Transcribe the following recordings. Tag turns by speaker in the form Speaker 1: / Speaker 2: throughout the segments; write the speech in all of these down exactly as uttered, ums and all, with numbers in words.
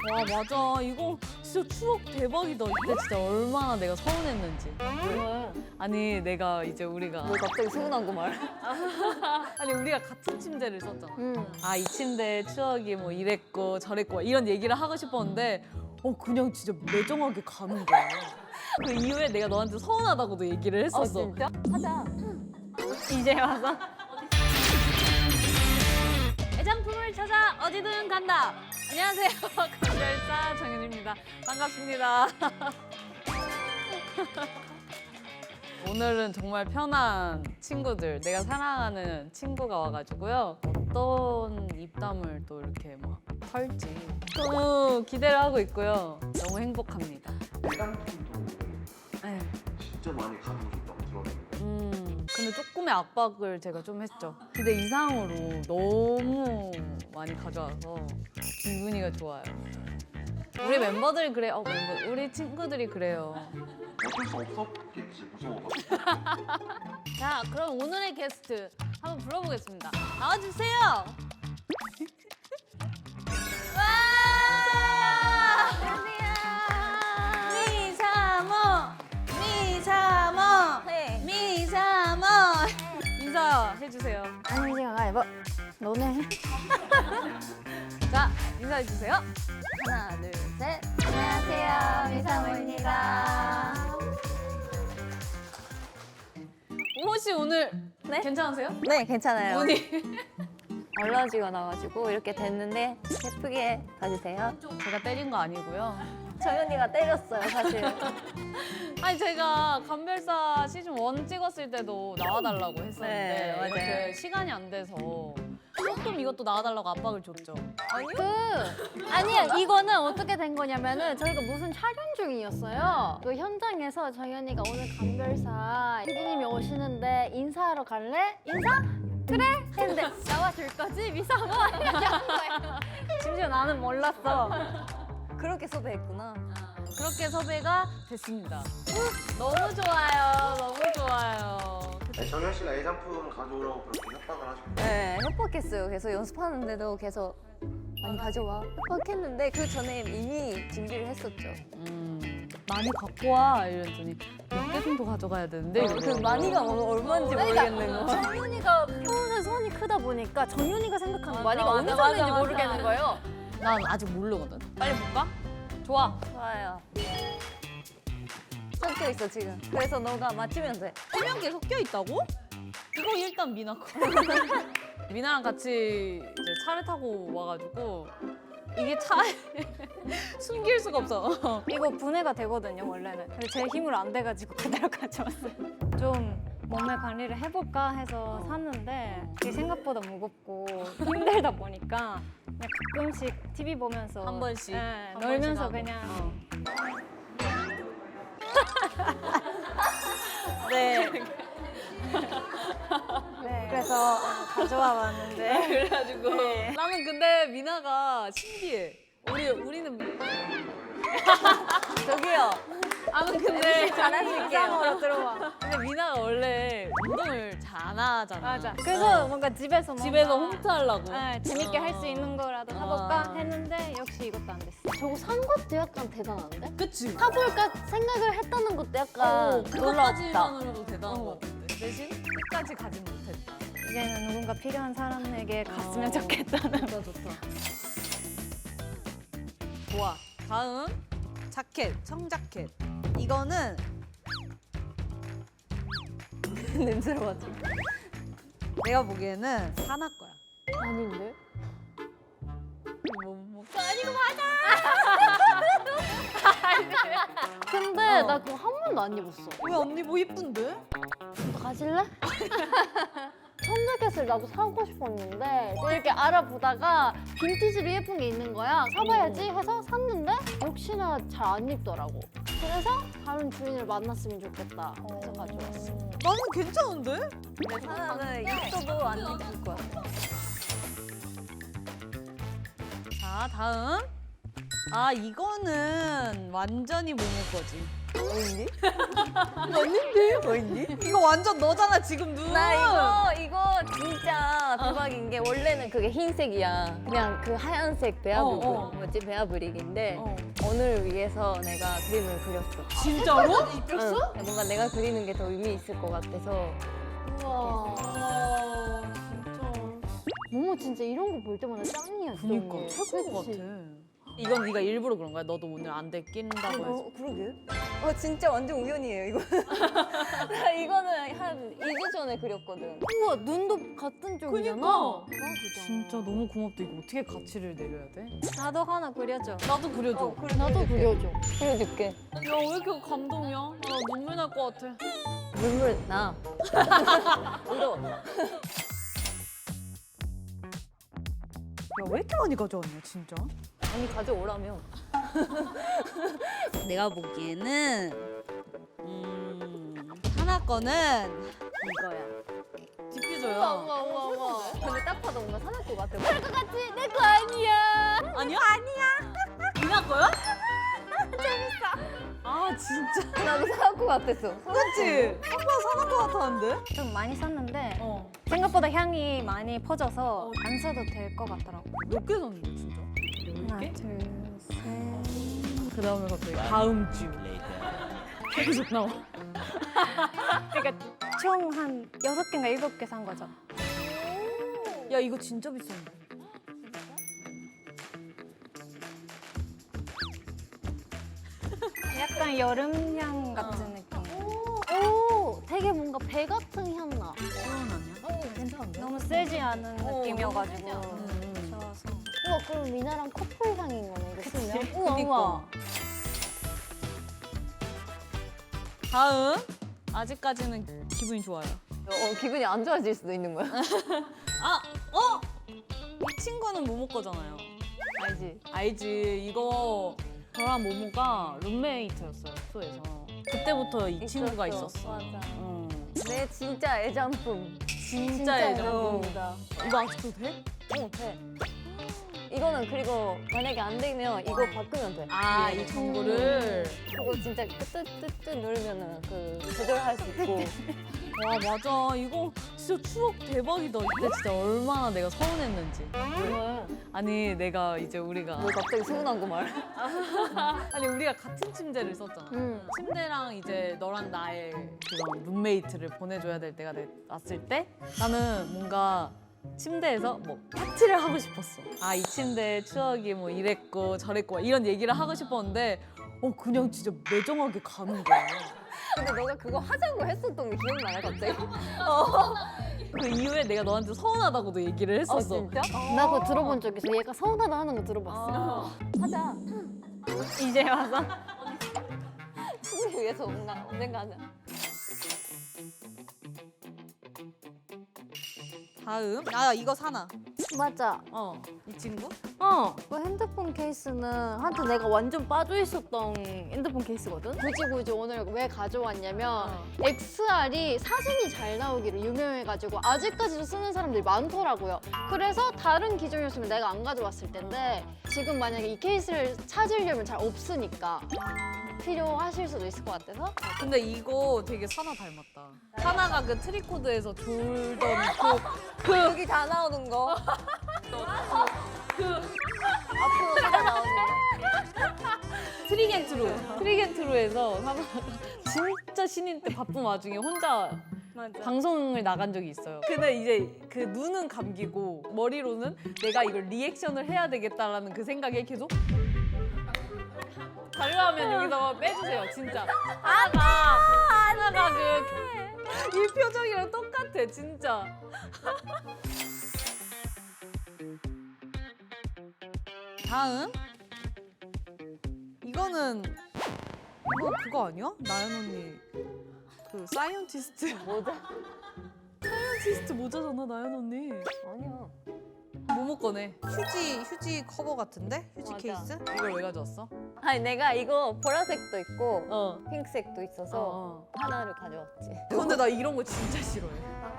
Speaker 1: 와 맞아 이거 진짜 추억 대박이다. 이때 진짜 얼마나 내가 서운했는지.
Speaker 2: 왜?
Speaker 1: 아니 내가 이제 우리가
Speaker 2: 뭐 갑자기 서운한 거 말?
Speaker 1: 아니 우리가 같은 침대를 썼잖아.
Speaker 2: 응.
Speaker 1: 아 이 침대 추억이 뭐 이랬고 저랬고 이런 얘기를 하고 싶었는데 어 그냥 진짜 매정하게 가는 거야. 그 이후에 내가 너한테 서운하다고도 얘기를
Speaker 2: 아
Speaker 1: 했었어.
Speaker 2: 진짜? 하자.
Speaker 1: 이제 와서 애장품을 찾아 어디든 간다. 안녕하세요. 감별사 정윤입니다. 반갑습니다. 오늘은 정말 편한 친구들, 내가 사랑하는 친구가 와가지고요. 어떤 입담을 또 이렇게 막 털지 너무 기대를 하고 있고요. 너무 행복합니다.
Speaker 3: 애장품도
Speaker 1: 네.
Speaker 3: 진짜 많이 가지고 싶다고 들었는데
Speaker 1: 음, 근데 조금의 압박을 제가 좀 했죠. 기대 이상으로 너무 많이 가져와서 기분이가 좋아요. 우리 멤버들이 그래, 어, 멤버, 우리 친구들이 그래요.
Speaker 3: 어쩔 수 없었겠지 무서워가지고.
Speaker 1: 자, 그럼 오늘의 게스트 한번 불러보겠습니다. 나와주세요. 와! 미사모, 미사모,
Speaker 2: 네.
Speaker 1: 미사모. 인사해주세요.
Speaker 2: 안녕하세요. 가위바. 너네.
Speaker 1: 자, 인사해주세요.
Speaker 2: 하나, 둘, 셋. 안녕하세요. 미사모입니다.
Speaker 1: 혹시 오늘
Speaker 2: 네?
Speaker 1: 괜찮으세요?
Speaker 2: 네, 괜찮아요.
Speaker 1: 눈이
Speaker 2: 얼러지가 나가지고 이렇게 됐는데 예쁘게 봐주세요.
Speaker 1: 제가 때린 거 아니고요.
Speaker 2: 정연이가 때렸어요, 사실.
Speaker 1: 아니 제가 감별사 시즌 일 찍었을 때도 나와달라고 했었는데
Speaker 2: 네, 맞아요.
Speaker 1: 이렇게 시간이 안 돼서 조금 이것도 나와달라고 압박을 줬죠.
Speaker 4: 그 아니야 이거는 어떻게 된 거냐면은 저희가 무슨 촬영 중이었어요. 그 현장에서 정연이가 오늘 감별사 피디님이 오시는데 인사하러 갈래? 인사? 그래? 했는데 나와줄 거지? 미사모? 이렇게 한 거예요. 심지어 나는 몰랐어.
Speaker 2: 그렇게 섭외했구나.
Speaker 1: 그렇게 섭외가 됐습니다. 너무 좋아요. 너무 좋아요.
Speaker 3: 아니, 정현 씨가 애장품 가져오라고 그렇게 협박을 하셨고
Speaker 2: 네, 협박했어요. 계속 연습하는데도 계속 많이 가져와. 협박했는데 그 전에 이미 준비를 했었죠.
Speaker 1: 음, 많이 갖고 와 이랬더니 몇 개 정도 가져가야 되는데
Speaker 2: 그
Speaker 1: 이러더라고요.
Speaker 2: 많이가 얼마인지 모르겠는 거.
Speaker 4: 정연이가 평소에 손이 크다 보니까 정연이가 생각하는
Speaker 1: 맞아,
Speaker 4: 많이가 어느
Speaker 1: 맞아,
Speaker 4: 정도인지
Speaker 1: 맞아,
Speaker 4: 모르겠는
Speaker 1: 맞아.
Speaker 4: 거예요.
Speaker 1: 난 아직 모르거든. 빨리 볼까? 좋아.
Speaker 2: 좋아요. 섞여 있어 지금. 그래서 너가 맞추면 돼.
Speaker 1: 투명 게 섞여 있다고? 이거 일단 미나 거. 미나랑 같이 이제 차를 타고 와가지고 이게 차에 숨길 수가 없어.
Speaker 4: 이거 분해가 되거든요 원래는. 근데 제 힘으로 안 돼가지고 그대로 가져왔어요. 좀 몸매 관리를 해볼까 해서 샀는데 이게 생각보다 무겁고 힘들다 보니까 그냥 가끔씩 티비 보면서
Speaker 1: 한 번씩,
Speaker 4: 네,
Speaker 1: 한
Speaker 4: 놀면서
Speaker 1: 번씩 하고.
Speaker 4: 그냥
Speaker 1: 어.
Speaker 4: 네. 네. 그래서 가져와 봤는데
Speaker 1: 그래가지고
Speaker 4: 네.
Speaker 1: 나는 근데 미나가 신기해. 우리 우리는
Speaker 2: 저기요.
Speaker 1: 아무 근데
Speaker 2: 잘하실게요.
Speaker 4: 들어와.
Speaker 1: 근데 미나가 원래 운동을 잘 안 하잖아.
Speaker 4: 맞아. 그래서
Speaker 1: 어.
Speaker 4: 뭔가 집에서 뭔가
Speaker 1: 집에서 홈트 하려고.
Speaker 4: 네, 재밌게 할 수 있는 거라도 사볼까
Speaker 1: 어.
Speaker 4: 했는데 역시 이것도 안 됐어. 저거 산 것도 약간 대단한데?
Speaker 1: 그치?
Speaker 4: 사볼까 생각을 했다는 것도 약간
Speaker 1: 어,
Speaker 4: 놀랍다.
Speaker 1: 그것까지만으로도 대단한
Speaker 4: 어.
Speaker 1: 것 같은데 대신 끝까지 가진 못했다.
Speaker 4: 이제는 누군가 필요한 사람에게 갔으면
Speaker 1: 어.
Speaker 4: 좋겠다는.
Speaker 1: 좋다 좋다. 좋아. 다음 자켓, 청자켓. 이거는
Speaker 2: 냄새로 가지고.
Speaker 1: 내가 보기에는 사나 거야.
Speaker 4: 아닌데?
Speaker 1: 뭐, 뭐. 아니고
Speaker 4: 근데
Speaker 1: 어.
Speaker 4: 나 그거 한 번도 안 입었어.
Speaker 1: 왜 언니 뭐 이쁜데?
Speaker 4: 너 가질래? 청자켓을 나도 사고 싶었는데 이렇게 알아보다가 빈티지로 예쁜 게 있는 거야. 사봐야지 해서 샀는데 역시나 잘 안 입더라고. 그래서 다른 주인을 만났으면 좋겠다 해서 가져왔어.
Speaker 1: 나는 괜찮은데?
Speaker 2: 근데 사나는 입어도 안 입을 거야.
Speaker 1: 자 다음. 아 이거는 완전히 모모 거지.
Speaker 2: 어딨니?
Speaker 1: 맞는데? 어딨니? 이거 완전 너잖아 지금 눈.
Speaker 2: 나 이거 이거 진짜 대박인 게 원래는 그게 흰색이야. 그냥 그 하얀색 베아브릭
Speaker 1: 어, 어.
Speaker 2: 뭐지 베아브릭인데
Speaker 1: 어.
Speaker 2: 오늘 위해서 내가 그림을 그렸어.
Speaker 1: 진짜로?
Speaker 2: 응. 뭔가 내가 그리는 게 더 의미 있을 것 같아서.
Speaker 4: 우와.
Speaker 1: 아 진짜.
Speaker 4: 모모 진짜 이런 거 볼 때마다 짱이었어.
Speaker 1: 그니까 최고인 것 같아. 이건 네가 일부러 그런 거야? 너도 오늘 안대 낀다고 해서.
Speaker 2: 어, 그러게. 어, 진짜 완전 우연이에요, 이거. 나 이거는 한 이 주 전에 그렸거든.
Speaker 4: 우와 눈도 같은 쪽이잖아.
Speaker 1: 그니까. 진짜 너무 고맙다. 이거 어떻게 가치를 내려야 돼?
Speaker 2: 나도 하나 그려줘.
Speaker 1: 나도 그려줘.
Speaker 2: 어, 그래,
Speaker 4: 나도 그려줘.
Speaker 2: 그려줄게.
Speaker 1: 야 왜 이렇게 감동이야? 아, 나 눈물 날 것 같아.
Speaker 2: 눈물 나. 울어.
Speaker 1: 야 왜 이렇게 많이 가져왔냐 진짜?
Speaker 2: 아니, 가져오라며.
Speaker 1: 내가 보기에는 음 하나 거는 이거야. 디퓨저야.
Speaker 4: 우와 우와 우와.
Speaker 2: 근데 딱 봐도 뭔가 사날 것 같아.
Speaker 4: 그거 같이 내 거 아니야.
Speaker 1: 아니야? 아니야. 이나 거야? 재밌어. 아 진짜.
Speaker 2: 나도 사날 것 같았어.
Speaker 1: 그렇지. 한번 사는 것 같았는데?
Speaker 5: 좀 많이 썼는데
Speaker 1: 어.
Speaker 5: 생각보다 향이 많이 퍼져서 안 써도 될 것 같더라고.
Speaker 1: 몇 개 샀는데 진짜?
Speaker 5: 하나,
Speaker 1: 개?
Speaker 5: 둘, 셋.
Speaker 1: 그 다음에 갑자기 다음 주. 계속 나와.
Speaker 5: 그러니까 총 한 여섯 개인가 일곱 개 산 거죠.
Speaker 1: 야 이거 진짜 비싼데.
Speaker 5: 약간 여름향 같은 느낌.
Speaker 4: 오 되게 뭔가 배 같은 향 나.
Speaker 1: 시원 아니야?
Speaker 2: 어, 괜찮은데?
Speaker 5: 너무 세지 않은
Speaker 2: 어,
Speaker 5: 느낌이어가지고
Speaker 2: 너무
Speaker 1: 음.
Speaker 5: 좋아서.
Speaker 4: 우와 그럼 미나랑 커플 향인 거네 이거 쓰면. 우와
Speaker 1: 그니까.
Speaker 4: 우와.
Speaker 1: 다음. 아직까지는 기분이 좋아요.
Speaker 2: 어, 기분이 안 좋아질 수도 있는 거야.
Speaker 1: 아, 어? 이 친구는 모모 거잖아요.
Speaker 2: 알지?
Speaker 1: 알지. 이거 저랑 모모가 룸메이트였어요, 숙소에서. 그때부터 이 친구가
Speaker 2: 있었어.
Speaker 1: 있었어.
Speaker 2: 맞아.
Speaker 1: 응.
Speaker 2: 내 진짜 애장품.
Speaker 1: 진짜 애정.
Speaker 2: 애장품이다.
Speaker 1: 이거 아직도 돼?
Speaker 2: 어, 돼. 이거는 그리고 만약에 안 되면 이거 바꾸면 돼.
Speaker 1: 아,
Speaker 2: 위에는.
Speaker 1: 이 전구를.
Speaker 2: 그거 진짜 뜨뜨뜨뜨 누르면은 그 조절할 수 있고.
Speaker 1: 와, 맞아. 이거 진짜 추억 대박이다. 이때 진짜 얼마나 내가 서운했는지.
Speaker 2: 정말.
Speaker 1: 아니, 내가 이제 우리가.
Speaker 2: 뭐 갑자기 서운한 거 말.
Speaker 1: 아니, 우리가 같은 침대를 썼잖아.
Speaker 4: 음.
Speaker 1: 침대랑 이제 너랑 나의 그런 룸메이트를 보내줘야 될 때가 돼- 왔을 때 나는 뭔가 침대에서 뭐 파티를 하고 싶었어. 아, 이 침대의 추억이 뭐 이랬고 저랬고 막 이런 얘기를 하고 싶었는데 어 그냥 진짜 매정하게 가는 거야.
Speaker 2: 근데 너가 그거 하자고 했었던 게 기억나요, 갑자기?
Speaker 1: 그 이후에 내가 너한테 서운하다고도 얘기를
Speaker 2: 어,
Speaker 1: 했었어.
Speaker 2: 진짜?
Speaker 4: 나 그거 들어본 적 있어. 얘가 서운하다 하는 거 들어봤어.
Speaker 2: 하자.
Speaker 5: 이제 와서
Speaker 2: 친구를 위해서 뭔가 언젠가 하자.
Speaker 1: 다음 아 이거 사나.
Speaker 4: 맞아.
Speaker 1: 어 이 친구?
Speaker 4: 어. 그 핸드폰 케이스는 한테 내가 완전 빠져 있었던 핸드폰 케이스거든. 굳이 굳이 오늘 왜 가져왔냐면
Speaker 1: 어.
Speaker 4: 엑스알이 사진이 잘 나오기로 유명해가지고 아직까지도 쓰는 사람들이 많더라고요. 그래서 다른 기종이었으면 내가 안 가져왔을 텐데 지금 만약에 이 케이스를 찾으려면 잘 없으니까 필요하실 수도 있을 것 같아서.
Speaker 1: 근데 이거 되게 사나 닮았다. 사나가 그 트리코드에서 졸던 그, 그
Speaker 2: 여기 다 나오는 거. 그 앞으로 다 나오는 거.
Speaker 1: 트리겐트로 트리겐트로에서 사나가 진짜 신인 때 바쁜 와중에 혼자 방송을 나간 적이 있어요. 근데 이제 그 눈은 감기고 머리로는 내가 이걸 리액션을 해야 되겠다라는 그 생각에 계속 가려하면 여기다가 빼주세요, 진짜. 하나가 하나가 그 이 표정이랑 똑같아, 진짜. 다음 이거는 이거 그거 아니야? 나연 언니 그 사이언티스트
Speaker 2: 모자?
Speaker 1: 사이언티스트 모자잖아, 나연 언니.
Speaker 2: 아니야.
Speaker 1: 모모 거네. 휴지 휴지 커버 같은데? 휴지
Speaker 2: 맞아.
Speaker 1: 케이스? 이걸 왜 가져왔어?
Speaker 2: 아니 내가 이거 보라색도 있고
Speaker 1: 어.
Speaker 2: 핑크색도 있어서
Speaker 1: 어.
Speaker 2: 하나를 가져왔지.
Speaker 1: 근데 나 이런 거 진짜 싫어해.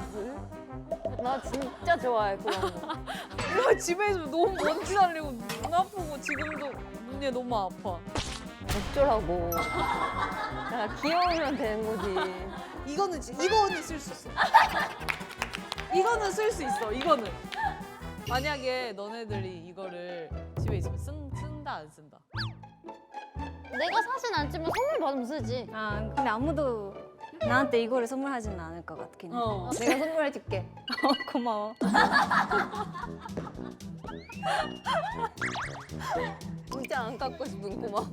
Speaker 2: 나 진짜 좋아해 그런 거.
Speaker 1: 이거 집에 있으면 너무 먼지 날리고 눈 아프고 지금도 눈이 너무 아파.
Speaker 2: 어쩌라고. 야, 귀여우면 되는 거지.
Speaker 1: 이거는 지- 이거는 쓸 수 있어. 이거는 쓸 수 있어. 이거는. 만약에 너네들이 이거를 집에 있으면 쓴, 쓴다 안 쓴다.
Speaker 4: 내가 사진 안 찍으면 선물 받으면 쓰지.
Speaker 5: 아 근데 아무도 나한테 이거를 선물하지는 않을 것 같긴 해.
Speaker 1: 어.
Speaker 2: 내가 선물해줄게.
Speaker 5: 어, 고마워.
Speaker 2: 진짜 안 갖고 싶은 고마워.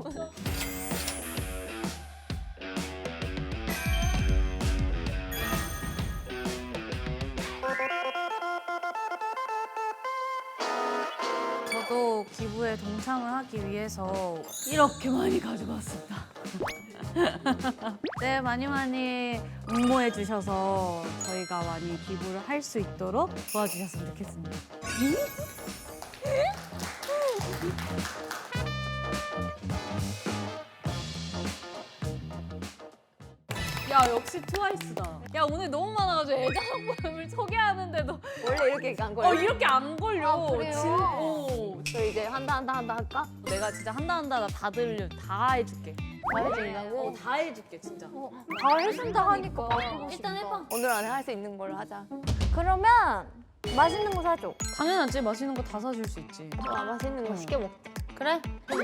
Speaker 1: 저도 기부에 동참을 하기 위해서 이렇게 많이 가져갔습니다. 네, 많이 많이 응모해 주셔서 저희가 많이 기부를 할 수 있도록 도와주셨으면 좋겠습니다. 야, 역시 트와이스다. 야, 오늘 너무 많아가지고 애장품을 소개하는데도
Speaker 2: 원래 이렇게 안 걸려.
Speaker 1: 어, 이렇게 안 걸려.
Speaker 4: 아, 그래요?
Speaker 1: 진, 어.
Speaker 2: 저 이제 한다 한다 한다 할까?
Speaker 1: 내가 진짜 한다 한다 나 다 들려 다 해줄게.
Speaker 2: 다 해준다고?
Speaker 1: 어, 다 해줄게 진짜.
Speaker 4: 다 해준다 하니까 일단 해봐.
Speaker 2: 오늘 안에 할 수 있는 걸로 하자.
Speaker 5: 그러면 맛있는 거 사줘.
Speaker 1: 당연하지. 맛있는 거 다 사줄 수 있지.
Speaker 2: 아, 맛있는 거 시켜 먹자.
Speaker 1: 그래?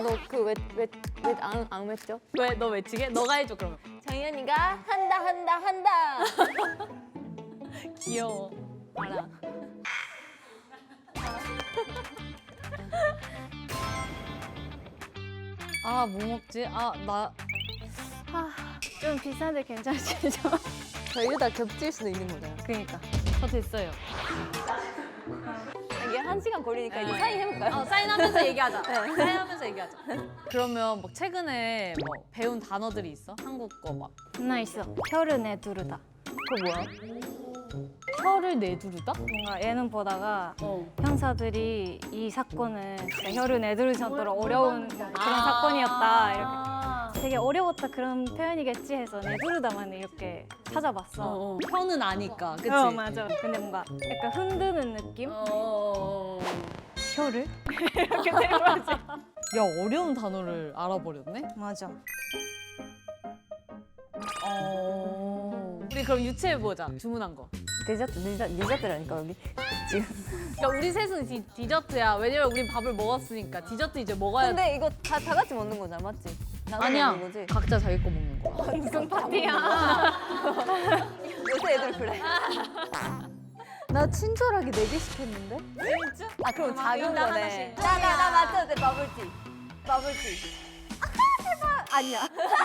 Speaker 2: 너그왜왜왜안 맺죠?
Speaker 1: 왜 너 외치게? 너가 해줘 그러면.
Speaker 2: 정연이가 한다 한다 한다.
Speaker 1: 귀여워. 알아. 아, 뭐 먹지? 아, 나
Speaker 5: 좀 비싼데 괜찮으시죠?
Speaker 2: 저희다 겹칠 수도 있는 거잖아.
Speaker 5: 그니까.
Speaker 1: 저 됐어요.
Speaker 2: 이게 한 시간 걸리니까 이제
Speaker 1: 네.
Speaker 2: 사인 해볼까요?
Speaker 1: 어, 사인하면서 얘기하자. 사인하면서 얘기하자. 그러면 막 최근에 뭐 배운 단어들이 있어? 한국어 막.
Speaker 5: 하나 있어. 혀를 내두르다.
Speaker 2: 그거 뭐야?
Speaker 1: 혀를 내두르다?
Speaker 5: 뭔가 예능 보다가
Speaker 1: 어.
Speaker 5: 형사들이 이 사건은 진짜 혀를 내두를 정도로 어려운 그런
Speaker 1: 아.
Speaker 5: 사건이었다. 이렇게. 되게 어려웠다 그런 표현이겠지 해서 내두르다만 이렇게 찾아봤어.
Speaker 1: 어, 어. 혀는 아니까, 그치?
Speaker 5: 어, 맞아. 근데 뭔가 약간 흔드는 느낌?
Speaker 1: 어.
Speaker 5: 혀를?
Speaker 1: 야, 어려운 단어를 알아버렸네?
Speaker 5: 맞아.
Speaker 1: 어. 우리 그럼 유추해보자. 주문한 거.
Speaker 2: 디저트 디저트 디저트라니까 여기.
Speaker 1: 그러니까 우리 셋은 디, 디저트야. 왜냐면 우린 밥을 먹었으니까 디저트 이제 먹어야 돼.
Speaker 2: 근데 이거 다 다 같이 먹는 거잖아, 맞지? 나눠
Speaker 1: 아니야.
Speaker 2: 먹는 거지?
Speaker 1: 각자 자기 거 먹는 거야.
Speaker 5: 무슨 파티야?
Speaker 2: 요새 애들 그래.
Speaker 5: 나 친절하게 네 개 시켰는데?
Speaker 1: 진짜?
Speaker 2: 아 그럼 작은
Speaker 1: 인당
Speaker 2: 거네.
Speaker 1: 하나씩.
Speaker 2: 나나 나 맞춰도 돼 버블티. 버블티. 아 제발. 아니야.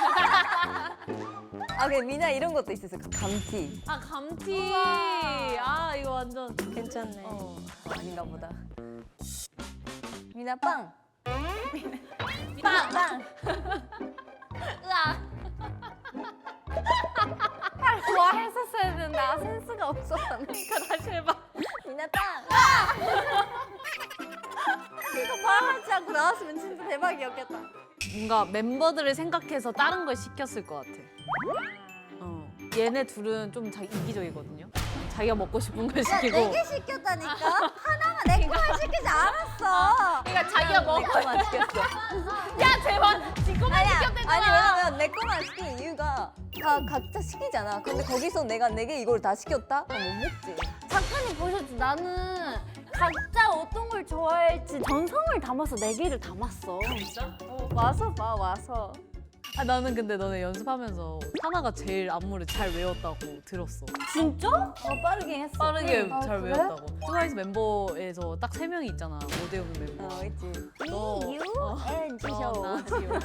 Speaker 2: 아 그래 미나 이런 것도 있었어. 감티.
Speaker 1: 아, 감튀. 아, 이거 완전.
Speaker 5: 괜찮네.
Speaker 1: 어.
Speaker 2: 아닌가 보다. 미나 빵.
Speaker 1: 빵!
Speaker 2: 빵.
Speaker 1: 으아.
Speaker 5: 뭐 했었어야 되는데 아 센스가 없었다.
Speaker 1: 그러니까 다시 해봐.
Speaker 2: 미나 빵.
Speaker 5: 이거 말하지 않고 나왔으면 진짜 대박이었겠다.
Speaker 1: 뭔가 멤버들을 생각해서 다른 걸 시켰을 것 같아. 어. 얘네 둘은 좀 자기 이기적이거든요. 자기가 먹고 싶은 걸 시키고.
Speaker 2: 네 시켰다니까. 하나만 내 거만 시키지 않았어.
Speaker 1: 그러니까 자기가 먹고.
Speaker 2: 내 거만 시켰어.
Speaker 1: 야, 제발. 지 거만 시켰대잖아.
Speaker 2: 아니 왜냐면 내 거만 시킨 이유가 다 각자 시키잖아. 근데 거기서 내가 내게 이걸 다 시켰다? 그럼 못 먹지.
Speaker 4: 작가님 보셨지? 나는 각자 어떤 걸 좋아할지 전성을 담아서 네 개를 담았어.
Speaker 1: 진짜?
Speaker 5: 와서 봐 와서.
Speaker 1: 아, 나는 근데 너네 연습하면서 하나가 제일 안무를 잘 외웠다고 들었어.
Speaker 4: 진짜?
Speaker 2: 어 빠르긴 했어.
Speaker 1: 빠르게
Speaker 4: 아,
Speaker 1: 잘
Speaker 4: 그래?
Speaker 1: 외웠다고. 트와이스 멤버에서 딱 세 명이 있잖아. 못 외우는 멤버.
Speaker 2: 어 있지.
Speaker 1: 너.
Speaker 2: 이, 유,
Speaker 1: 어.
Speaker 2: 엔, 지,
Speaker 1: 어,
Speaker 2: 쇼.
Speaker 1: 나 지효.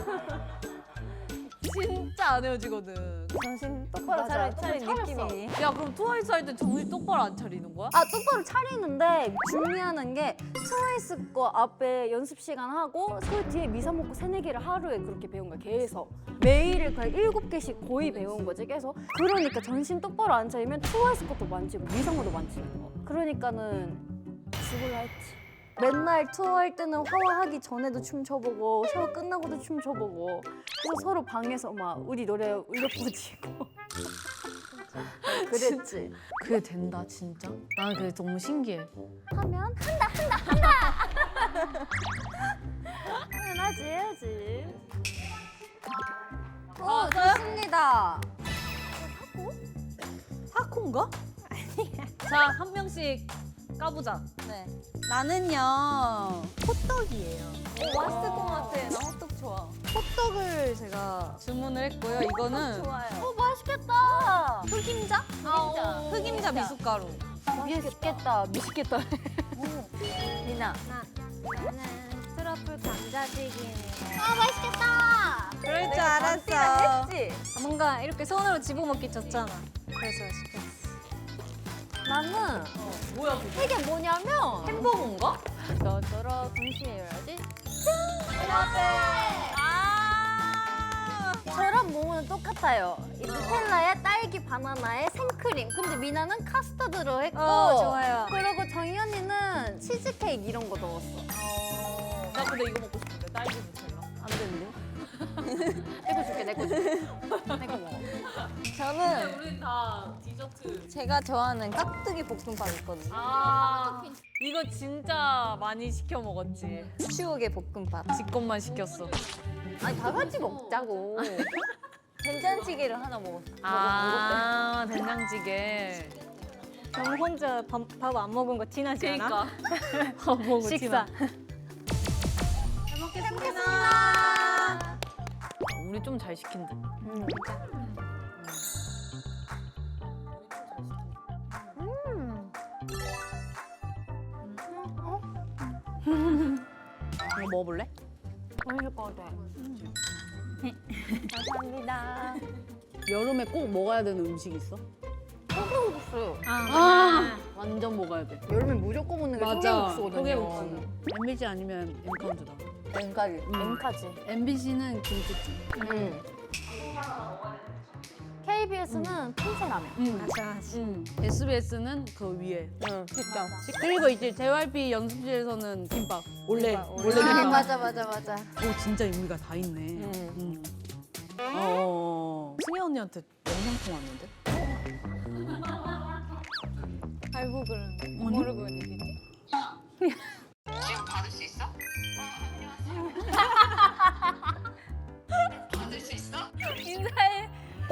Speaker 1: 진짜 안 헤어지거든.
Speaker 2: 정신 똑바로 차려, 차린 느낌이.
Speaker 1: 야, 그럼 트와이스 할 때 정신 똑바로 안 차리는 거야?
Speaker 5: 아 똑바로 차리는데 중요한 게 트와이스 거 앞에 연습 시간 하고 그 뒤에 미사 먹고 세네 개를 하루에 그렇게 배운 거야 계속 매일을 거의 일곱 개씩 거의 배운 거지 계속. 그러니까 정신 똑바로 안 차리면 트와이스 것도 많지 미사 것도 많지. 그러니까는 죽을라 했지. 맨날 투어할 때는 샤워하기 전에도 춤춰보고 샤워 끝나고도 춤춰보고 그래서 서로 방에서 막 우리 노래 울려 퍼지고 그랬지.
Speaker 1: 그게 된다, 진짜? 나는 그게 너무 신기해.
Speaker 5: 하면 당연하지 해야지. 맛있겠다.
Speaker 1: 타코인가? 자, 한 명씩 까보자.
Speaker 5: 네.
Speaker 1: 나는요, 호떡이에요.
Speaker 2: 오, 맛있을 것 같아. 나 호떡 좋아.
Speaker 1: 호떡을 제가 주문을 했고요. 이거는
Speaker 2: 좋아요.
Speaker 4: 어 맛있겠다.
Speaker 2: 흑임자?
Speaker 1: 흑임자, 흑임자 미숫가루.
Speaker 5: 맛있겠다. 미식겠다.
Speaker 2: 리나.
Speaker 5: 나는 트러플 감자튀김이에요.
Speaker 4: 아 맛있겠다.
Speaker 1: 그럴 줄
Speaker 2: 내가
Speaker 1: 알았어.
Speaker 2: 했지?
Speaker 5: 뭔가 이렇게 손으로 집어먹기 좋잖아. 그래서 시켰어. 나는
Speaker 1: 뭐야, 그게?
Speaker 5: 이게 뭐냐면
Speaker 1: 햄버거인가?
Speaker 5: 너더러 동시에 열어야지.
Speaker 1: 아!
Speaker 5: 저랑 모모는 똑같아요. 이 누텔라에 딸기 바나나에 생크림. 근데 미나는 카스터드로 했고.
Speaker 2: 어, 좋아요.
Speaker 5: 그리고 정희 언니는 치즈케이크 이런 거 넣었어.
Speaker 1: 나 근데 이거 먹고 싶은데, 딸기 누텔라.
Speaker 5: 안 되는데? 내거 줄게, 내거 줄게. 내거 먹어.
Speaker 2: 저는
Speaker 1: 우린 다 디저트.
Speaker 2: 제가 좋아하는 깍두기 볶음밥 있거든요.
Speaker 1: 아, 이거 진짜 많이 시켜 먹었지.
Speaker 2: 추억의 볶음밥.
Speaker 1: 지 것만 시켰어.
Speaker 2: 아니 다 같이 먹자고. 된장찌개를 하나 먹었어.
Speaker 1: 아, 된장찌개.
Speaker 5: 저 혼자 밥 안 먹은 거 티나지
Speaker 1: 그러니까. 밥 먹고
Speaker 5: 식사.
Speaker 1: 잘 먹겠습니다. 우리 좀 잘 시킨 듯.
Speaker 5: 음.
Speaker 1: 이거 먹어볼래?
Speaker 5: 맛있을 것 같아.
Speaker 2: 감사합니다.
Speaker 1: 여름에 꼭 먹어야 되는 음식 있어?
Speaker 5: 소금국수.
Speaker 1: 아, 완전 먹어야 돼.
Speaker 5: 여름에 무조건 먹는 게 소금국수거든요.
Speaker 1: 소개국수. 엠비씨 아니면 엠카운트다.
Speaker 2: 왼가리.
Speaker 5: 엠카지.
Speaker 1: 엠비씨는 김치찜.
Speaker 5: 음. 케이비에스는 핀셋라면.
Speaker 1: 응. 응. 에스비에스는 그 위에.
Speaker 2: 응, 진짜.
Speaker 1: 그리고 이제 제이와이피 연습실에서는 김밥. 원래
Speaker 2: 김밥,
Speaker 1: 원래
Speaker 2: 원래.
Speaker 5: 아,
Speaker 1: 김밥.
Speaker 5: 맞아, 맞아, 맞아.
Speaker 1: 오, 진짜 의미가 다 있네.
Speaker 2: 응.
Speaker 1: 응. 어. 승희 언니한테 영상 통화했는데?
Speaker 5: 알고 그러는 거.
Speaker 1: 아니?
Speaker 5: 모르고 얘기했지?
Speaker 6: 지금 받을 수 있어? 받을 수 있어?
Speaker 5: 인사해.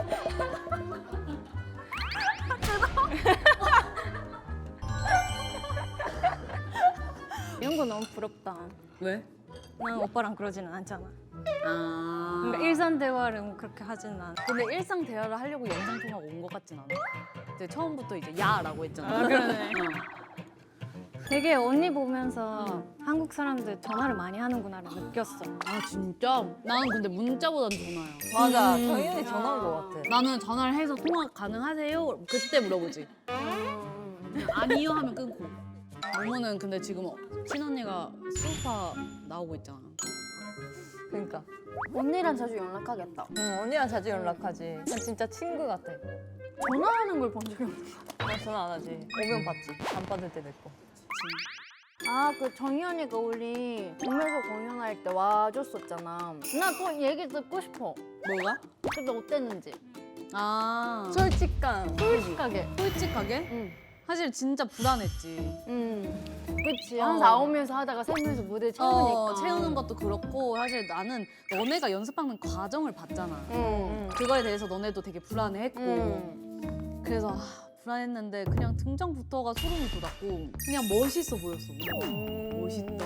Speaker 5: 이런 거 너무 부럽다.
Speaker 1: 왜?
Speaker 5: 난 오빠랑 그러지는 않잖아.
Speaker 1: 아.
Speaker 5: 그러니까 일상 대화를 뭐 그렇게 하지는 않아.
Speaker 1: 근데 일상 대화를 하려고 영상 통화가 온 것 같진 않아. 이제 처음부터 이제 야라고 했잖아.
Speaker 5: 아, 그러네.
Speaker 1: 어.
Speaker 5: 되게 언니 보면서 한국 사람들 전화를 많이 하는구나를 느꼈어.
Speaker 1: 아 진짜? 나는 근데 문자보단 전화야.
Speaker 2: 맞아.
Speaker 1: 음.
Speaker 2: 정연이 전화인 것 같아.
Speaker 1: 나는 전화를 해서 통화 가능하세요? 그때 물어보지. 아니요 하면 끊고. 모모는 근데 지금 친언니가 수우파 나오고 있잖아.
Speaker 2: 그러니까.
Speaker 5: 언니랑 자주 연락하겠다.
Speaker 2: 응, 언니랑 자주 연락하지. 난 진짜 친구 같아.
Speaker 5: 전화하는 걸 본 적이 없어.
Speaker 2: 나 전화 안 하지. 오면 받지. 안 받을 때도 있고.
Speaker 5: 아, 그 정희 언니가 우리 동묘에서 공연할 때 와줬었잖아. 나 또 얘기 듣고 싶어.
Speaker 1: 뭐가?
Speaker 5: 그때 어땠는지.
Speaker 1: 아
Speaker 2: 솔직한.
Speaker 5: 솔직하게.
Speaker 1: 솔직하게?
Speaker 5: 응.
Speaker 1: 사실 진짜 불안했지.
Speaker 5: 응. 그치.
Speaker 1: 어.
Speaker 5: 한 사, 홉 명에서 하다가 세 명에서 무대 채우니까.
Speaker 1: 어, 채우는 것도 그렇고 사실 나는 너네가 연습하는 과정을 봤잖아.
Speaker 5: 응.
Speaker 1: 그거에 대해서 너네도 되게 불안해했고
Speaker 5: 응.
Speaker 1: 그래서 아, 불안했는데 그냥 등장부터가 소름이 돋았고 그냥 멋있어 보였어. 우와, 멋있다.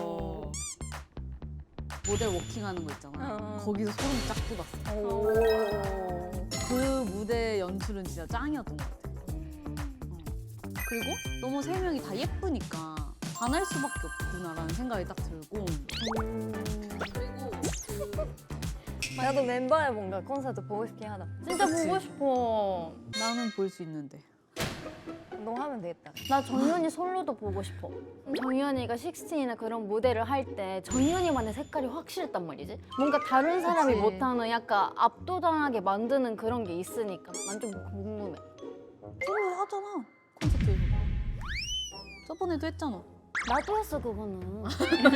Speaker 1: 모델 워킹하는 거 있잖아.
Speaker 2: 어.
Speaker 1: 거기서 소름이 쫙 돋았어.
Speaker 2: 오.
Speaker 1: 그 무대 연출은 진짜 짱이었던 것 같아. 어. 그리고 너무 세 명이 다 예쁘니까 반할 수밖에 없구나라는 생각이 딱 들고 그리고
Speaker 2: 나도 멤버의 뭔가 콘서트 보고 싶긴 하다.
Speaker 5: 진짜
Speaker 1: 그치?
Speaker 5: 보고 싶어.
Speaker 1: 나는 볼 수 있는데
Speaker 2: 운동하면 되겠다.
Speaker 5: 나 정연이 솔로도 보고 싶어. 정연이가 식스틴이나 그런 무대를 할 때 정연이만의 색깔이 확실했단 말이지. 뭔가 다른 사람이
Speaker 1: 그치.
Speaker 5: 못하는 약간 압도당하게 만드는 그런 게 있으니까 난 좀 궁금해.
Speaker 1: 솔로 하잖아 콘서트에서 저번에도 했잖아.
Speaker 5: 나도 했어 그거는.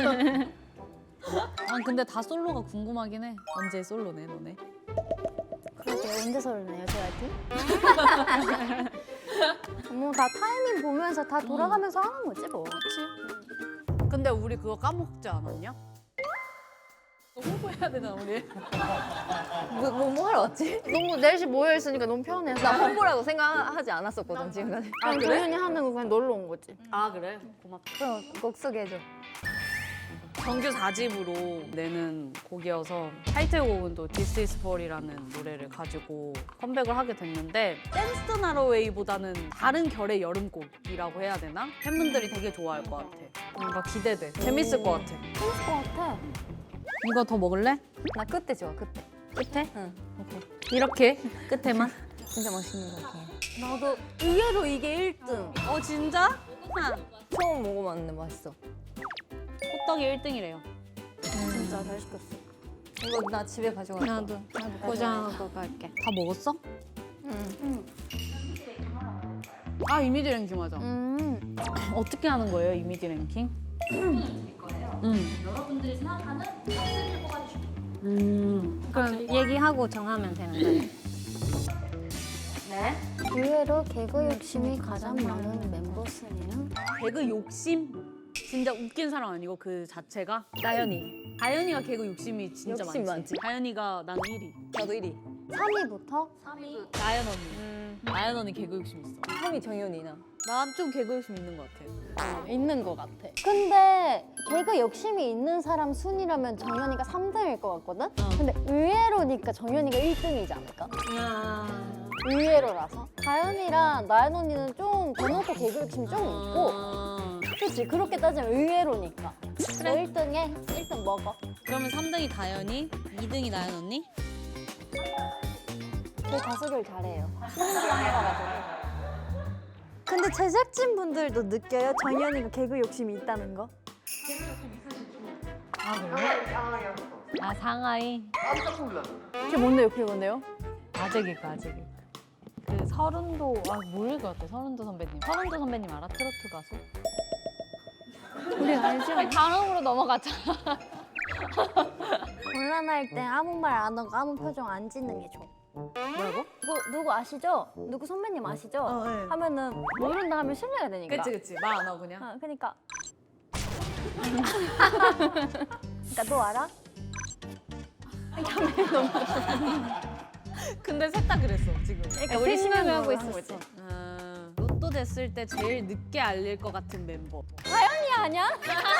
Speaker 1: 난 근데 다 솔로가 궁금하긴 해. 언제 솔로네 너네?
Speaker 5: 그러게 언제 설레요 제이와이피? 뭐 다 타이밍 보면서 다 돌아가면서 하는 거지 뭐.
Speaker 1: 그치? 근데 우리 그거 까먹지 않았냐? 홍보해야 되나 우리?
Speaker 2: 뭐, 뭐, 뭐 하러 왔지?
Speaker 4: 너무 넷이 모여 있으니까 너무 편해서.
Speaker 2: 나 홍보라고 생각하지 않았었거든 지금까지.
Speaker 4: 아, 도현이 하는 거 그냥 놀러 온 거지.
Speaker 1: 아 그래? 고맙다.
Speaker 2: 그럼 곡 소개해줘.
Speaker 1: 정규 사 집으로 내는 곡이어서 타이틀곡은 또 This is Fall이라는 노래를 가지고 컴백을 하게 됐는데 댄스 더 나로웨이보다는 다른 결의 여름곡이라고 해야 되나? 팬분들이 되게 좋아할 것 같아. 뭔가 기대돼. 재밌을 것 같아.
Speaker 5: 재밌을 것 같아.
Speaker 1: 이거 더 먹을래?
Speaker 2: 나 끝에 좋아 끝에.
Speaker 1: 끝에?
Speaker 2: 응.
Speaker 1: 오케이. 이렇게 끝에만?
Speaker 2: 진짜 맛있는 것 같아.
Speaker 5: 나도 의외로 이게 일 등.
Speaker 1: 어 진짜? 하.
Speaker 2: 처음 먹어봤는데 맛있어.
Speaker 1: 호떡이 일 등이래요.
Speaker 5: 진짜 잘 시켰어.
Speaker 2: 이거 나 집에 가져갈 거야.
Speaker 5: 나도 나도 포장하고 갈게.
Speaker 1: 다 먹었어?
Speaker 2: 응.
Speaker 1: 아 이미지 랭킹 맞아.
Speaker 5: 음.
Speaker 1: 어떻게 하는 거예요 이미지 랭킹? 음.
Speaker 4: 여러분들이 생각하는 탑쓰리를 뽑아주시면
Speaker 1: 음.
Speaker 5: 그럼 얘기하고 정하면 되는 거예요.
Speaker 4: 네.
Speaker 5: 의외로 개그 욕심이 가장 많은 멤버 순위는
Speaker 1: 개그 욕심? 진짜 웃긴 사람 아니고 그 자체가?
Speaker 2: 나연이.
Speaker 1: 다현이가 개그 욕심이 진짜
Speaker 2: 욕심
Speaker 1: 많지.
Speaker 2: 많지.
Speaker 1: 다현이가 나는 일 위.
Speaker 2: 나도 일 위.
Speaker 5: 삼 위부터
Speaker 4: 삼 위.
Speaker 1: 나연 언니. 나연 언니 개그 욕심 있어.
Speaker 2: 삼 위 정연이나.
Speaker 1: 난 좀 개그 욕심 있는 것 같아.
Speaker 5: 있는 것 같아. 근데 개그 욕심이 있는 사람 순위라면 정연이가 삼 등일 것 같거든? 근데 의외로니까 정연이가 일 등이지 않을까? 의외로라서. 다현이랑 나연 언니는 좀 대놓고 개그 욕심이 좀 있고
Speaker 1: 어...
Speaker 5: 그렇지 그렇게 따지면 의외로니까 너 일 등에 일 등 먹어.
Speaker 1: 그러면 삼 등이 다현이, 이 등이 나연 언니?
Speaker 5: 제 가수들 잘해요. 근데 제작진 분들도 느껴요? 정연이가 개그 욕심이 있다는 거?
Speaker 1: 아 상하이.
Speaker 3: 깜짝 놀랐어.
Speaker 5: 그게 뭔데요? 그게 뭔데요?
Speaker 1: 아재개그 아재개그. 그 서른도 아 모를 것 같아. 서른도 선배님. 서른도 선배님 알아? 트로트 가수?
Speaker 5: 우리 알지?
Speaker 4: 다음으로 넘어가자.
Speaker 5: 곤란할 때 아무 말 안 하고 아무 표정 안 짓는 게 좋아.
Speaker 1: 뭐라고?
Speaker 5: 누구, 누구 아시죠? 누구 선배님 아시죠?
Speaker 1: 어, 네.
Speaker 5: 하면은 모른다 하면 신뢰가 되니까.
Speaker 1: 그치 그치. 말 안 하고 그냥.
Speaker 5: 아, 그러니까. 그러니까 너 알아?
Speaker 1: 근데 셋 다 그랬어 지금.
Speaker 5: 그러니까 우리 신뢰를 하고 있었어.
Speaker 1: 아, 로또 됐을 때 제일 늦게 알릴 것 같은 멤버.
Speaker 5: 아니 아니야?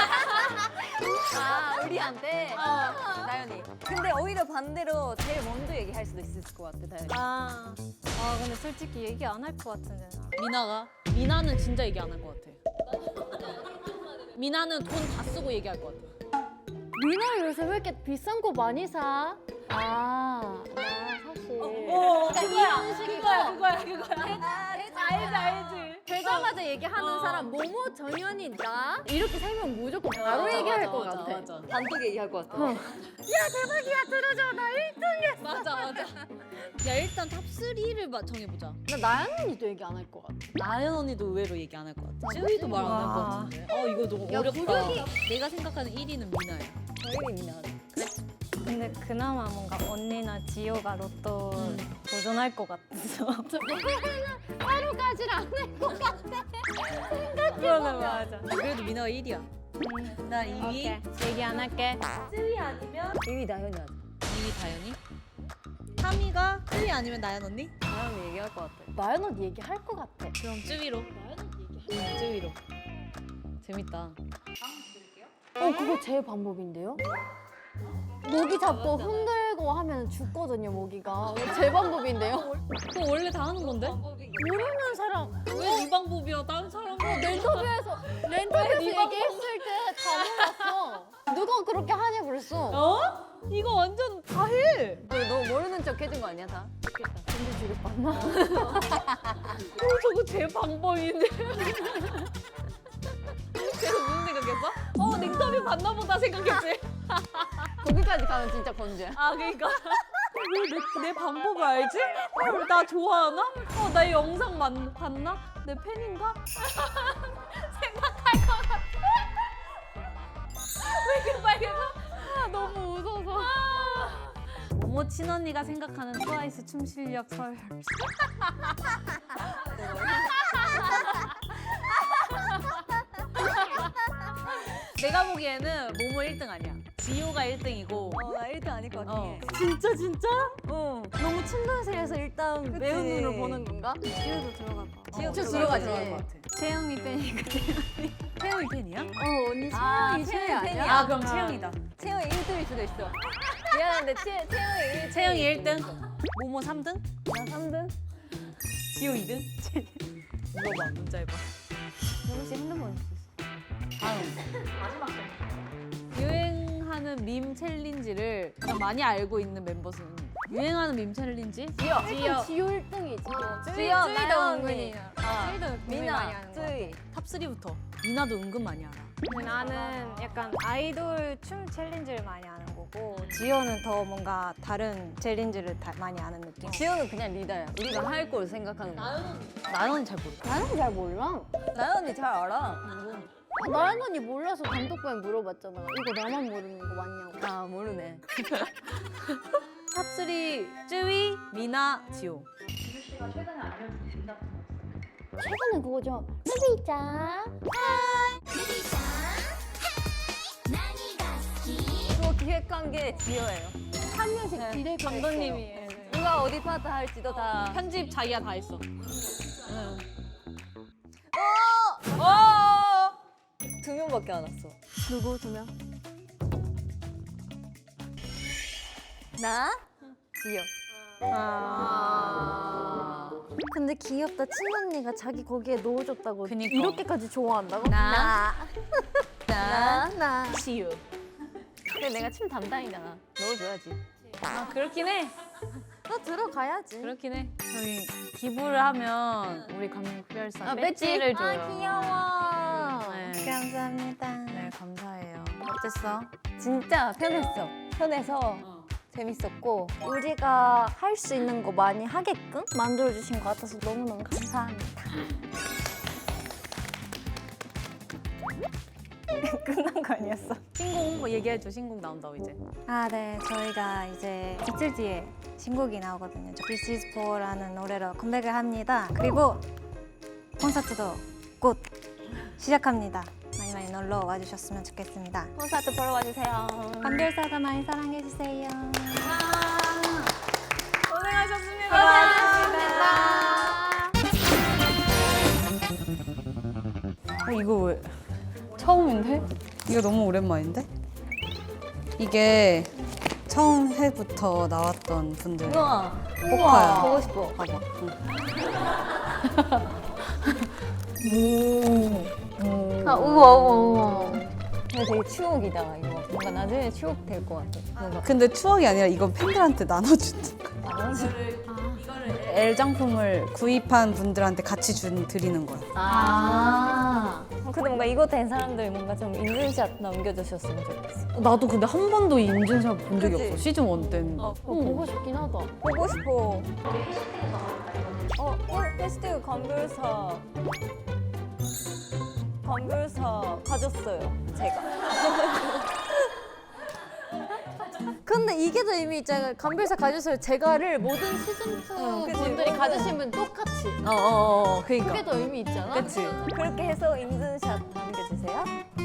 Speaker 2: 아 우리한테. 나연이. 근데 오히려 반대로 제일 먼저 얘기할 수도 있을 것 같아 다연이.
Speaker 5: 아, 아 근데 솔직히 얘기 안 할 것 같은데 나.
Speaker 1: 미나가? 미나는 진짜 얘기 안 할 것 같아. 미나는 돈 다 쓰고 얘기할 것 같아.
Speaker 5: 미나 요새 왜 이렇게 비싼 거 많이 사? 아, 나 사실.
Speaker 1: 그러니까
Speaker 5: 이런 식이고
Speaker 1: 그거야 그거야. 알지 알지.
Speaker 5: 되자마자 얘기하는 사람 모모 정연이 나 이렇게 세 명 무조건 바로
Speaker 1: 맞아,
Speaker 5: 얘기할
Speaker 1: 맞아,
Speaker 5: 것
Speaker 1: 맞아,
Speaker 5: 같아.
Speaker 1: 맞아.
Speaker 2: 단독 얘기할 것 같아.
Speaker 5: 야 대박이야 들어줘 나 일 등이야.
Speaker 1: 맞아 맞아. 야 일단 탑 쓰리를 정해보자.
Speaker 5: 나 나연 언니도 얘기 안 할 것 같아.
Speaker 1: 나연 언니도 의외로 얘기 안 할 것 같아. 쯔위도 말 안 할 것 같은데. 어 이거 너무 어렵다. 내가 생각하는 일 위는 미나야.
Speaker 2: 정연이 미나.
Speaker 5: 근데 그나마 뭔가 언니나 지효가 로또 도전할 것 같아서. 하루까지는 안 할 것 같아. 생각해보면 맞아.
Speaker 1: 그래도 미나가 일 위야. 나 이 위,
Speaker 5: 오케이 얘기 안 할게.
Speaker 2: 일 위 나연이 하자.
Speaker 1: 이 위 다현이. 삼 위가 쯔위 아니면 나연 언니?
Speaker 2: 나연이 얘기할 것 같아.
Speaker 5: 나연 언니 얘기할 것 같아.
Speaker 1: 그럼 쯔위로. 나연 언니 얘기할 응, 쯔위로. 재밌다.
Speaker 5: 어 그거 제 방법인데요? 모기 잡고 흔들고 하면 죽거든요 모기가. 제 방법인데요?
Speaker 1: 그거 원래 다 하는 건데?
Speaker 5: 모르는 사람
Speaker 1: 왜 네 방법이야? 다른 사람
Speaker 5: 렌터뷰에서 렌터뷰에서 얘기했을 때 다 몰랐어. 누가 그렇게 하냐 그랬어.
Speaker 1: 어? 이거 완전 다 해.
Speaker 2: 너 모르는 척 해준 거 아니야 다?
Speaker 5: 근데 지금 봤나?
Speaker 1: 어, 저거 제 방법인데. 그래서 무슨 생각했어? 어, 링터뷰 봤나 보다 생각했지.
Speaker 2: 거기까지 가면 진짜 건조야.
Speaker 1: 아, 그러니까. 왜 내, 내 방법을 알지? 어, 나 좋아하나? 어, 나 이 영상 만, 봤나? 내 팬인가? 생각할 것 같아. 왜 이렇게 빨개져? 아, 너무 웃어서. 모모 친언니가 생각하는 트와이스 춤 실력 서열. 내가 보기에는 모모 일 등 아니야. 지효가 일 등이고
Speaker 2: 어, 나 일 등 아닐 것 같긴
Speaker 1: 어.
Speaker 2: 해.
Speaker 5: 진짜 진짜?
Speaker 2: 어.
Speaker 5: 너무 친근해서 일단
Speaker 2: 그치.
Speaker 5: 매운 눈으로 보는 건가?
Speaker 4: 지효도 들어갈 거.
Speaker 2: 지효
Speaker 1: 저
Speaker 2: 들어가지.
Speaker 1: 들어갈 것 같아.
Speaker 4: 채영이 팬이니까.
Speaker 1: 채영이 팬이야?
Speaker 5: 어 언니
Speaker 2: 아,
Speaker 5: 채영이
Speaker 2: 채영이
Speaker 5: 최애
Speaker 2: 팬이야.
Speaker 5: 아니야?
Speaker 1: 아 그럼 채영이다.
Speaker 2: 채영이 일 등일 수도 있어. 미안한데 채, 채영이 일 등.
Speaker 1: 채영이 일 등, 모모 삼 등,
Speaker 2: 나 삼 등?
Speaker 1: 지효 이 등. 물어봐 문자 해봐.
Speaker 2: 혹시 핸드폰 줄 수 있어?
Speaker 1: 다음 유행하는 밈 챌린지를 가장 많이 알고 있는 멤버는 유행하는 밈 챌린지?
Speaker 2: 지효.
Speaker 4: 지효. 지효 일 등이지.
Speaker 2: 지효,
Speaker 4: 쯔이도
Speaker 2: 나연
Speaker 4: 은근히.
Speaker 2: 언니. 아,
Speaker 4: 쯔이도 은근히 많이
Speaker 2: 미나,
Speaker 4: 하는 거.
Speaker 2: 쯔이.
Speaker 1: 탑 삼부터. 미나도 은근 많이 알아.
Speaker 7: 나는 약간 아이돌 춤 챌린지를 많이 아는 거고 지효는 더 뭔가 다른 챌린지를 다 많이 아는 느낌.
Speaker 2: 지효는 그냥 리더야. 우리가 할 걸 생각하는 거야.
Speaker 1: 나는 잘 모르.
Speaker 5: 나는 잘 몰라.
Speaker 2: 나연 언니 잘 알아.
Speaker 4: 아, 나연 언니 몰라서 감독부에 물어봤잖아. 이거 나만 모르는 거 맞냐고.
Speaker 2: 아, 모르네.
Speaker 1: 탑 삼 쯔위, 미나, 지효.
Speaker 4: 최근에 그거죠. 수비자.
Speaker 2: 그거 기획한 게 지효예요.
Speaker 4: 한 명씩
Speaker 2: 네.
Speaker 4: 디렉
Speaker 7: 감독님이
Speaker 2: 누가 어디 파트 할지도 다.
Speaker 1: 편집 자기가 다 했어.
Speaker 2: 두 명밖에 안 왔어.
Speaker 5: 누구 두 명?
Speaker 2: 나? 지효.
Speaker 5: 아. 근데 귀엽다. 친언니가 자기 거기에 넣어줬다고
Speaker 1: 그니까.
Speaker 5: 이렇게까지 좋아한다고?
Speaker 1: 나,
Speaker 2: 나.
Speaker 5: 나.
Speaker 1: 지효.
Speaker 2: 근데 내가 춤 담당이잖아. 넣어줘야지.
Speaker 1: 아 그렇긴 해.
Speaker 5: 너 들어가야지.
Speaker 1: 그렇긴 해. 저희 기부를 하면 우리 감별사
Speaker 2: 아,
Speaker 1: 배지를
Speaker 2: 배지?
Speaker 1: 줘요.
Speaker 5: 아 귀여워.
Speaker 1: 네.
Speaker 7: 감사합니다.
Speaker 1: 네 감사해요. 어땠어?
Speaker 2: 진짜 편했어. 편해서 재밌었고.
Speaker 5: 우리가 할 수 있는 거 많이 하게끔 만들어주신 것 같아서 너무너무 감사합니다.
Speaker 7: 끝난 거 아니었어?
Speaker 1: 신곡 뭐 얘기해줘. 신곡 나온다고 이제.
Speaker 7: 아, 네. 저희가 이제 이틀 뒤에 신곡이 나오거든요. 저 This is For라는 노래로 컴백을 합니다. 그리고 콘서트도 곧 시작합니다. 많이 많이 놀러 와주셨으면 좋겠습니다.
Speaker 2: 콘서트 보러 와주세요.
Speaker 7: 감별사도 많이 사랑해주세요.
Speaker 1: 어, 이거 왜? 처음인데? 이거 너무 오랜만인데? 이게 처음 해부터 나왔던 분들
Speaker 2: 우와.
Speaker 1: 포카야.
Speaker 2: 보고 싶어.
Speaker 1: 봐봐.
Speaker 2: 아, 우와, 우와, 우와. 근데 되게 추억이다, 이거. 뭔가 나중에 추억 될 것 같아. 뭔가.
Speaker 1: 근데 추억이 아니라 이건 팬들한테 나눠주는 거야. L장품을 구입한 분들한테 같이 준, 드리는 거야.
Speaker 2: 아. 어, 근데 뭔가 이거 된 사람들 뭔가 좀 인증샷 남겨주셨으면 좋겠어.
Speaker 1: 나도 근데 한 번도 인증샷 본 적이
Speaker 2: 그치?
Speaker 1: 없어. 시즌 일 때는.
Speaker 2: 어,
Speaker 4: 어, 보고 싶긴 하다.
Speaker 2: 보고 싶어. 어, 어, 페스티벌 감별사. 감별사 가졌어요, 제가.
Speaker 5: 근데 이게 더 의미 있잖아요. 감별사 가져서 제가를 모든 시즌 투
Speaker 2: 그치,
Speaker 5: 분들이
Speaker 2: 모든-
Speaker 5: 가지신 분 똑같이.
Speaker 1: 어어어. 그러니까.
Speaker 5: 그게 더 의미 있잖아.
Speaker 1: 그치?
Speaker 2: 그렇게 해서 인증샷 남겨주세요.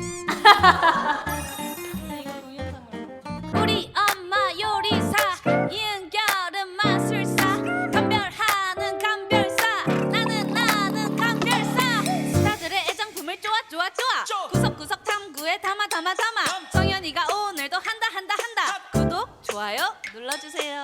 Speaker 8: 우리 엄마 요리사 이은결은 마술사 감별하는 감별사 나는 나는 감별사 스타들의 애정품을 쪼아 쪼아 쪼아 구석구석 탐구에 담아 담아 담아 정연이가 오늘도 한다 한다 한다 구독 좋아요 눌러주세요.